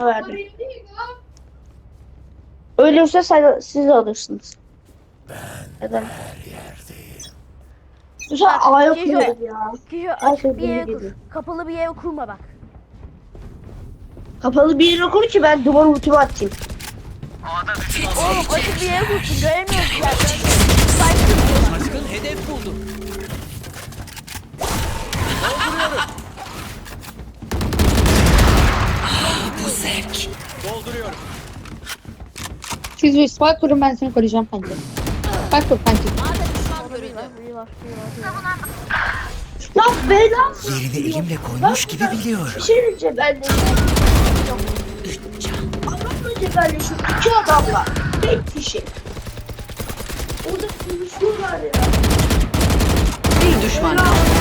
verdim. Ölürse siz alırsınız. Neden? Bu sefer A'ya Kijo, kuruyoruz ya. Kijo Her açık şey bir yere böyle kur. geliyor. Kapalı bir yere kurma bak. Kapalı bir yere kur ki ben duvar ultimi atayım. Oğlum açık bir yere kursun. Göremiyoruz ya. Saygı. Aşkın hedef buldu. Bu zevk. Dolduruyorum. Siz bir spike kurun, ben seni koruyacağım kanki. Spike kur kanki. Lan bela. Yerini elimle koymuş gibi biliyorum. Bir şey diyeceğim ben de. Adamla cebelleşiyor. İki adamla. Tek kişi. Orada konuşuyorlar ya. Bir düşman kaldı.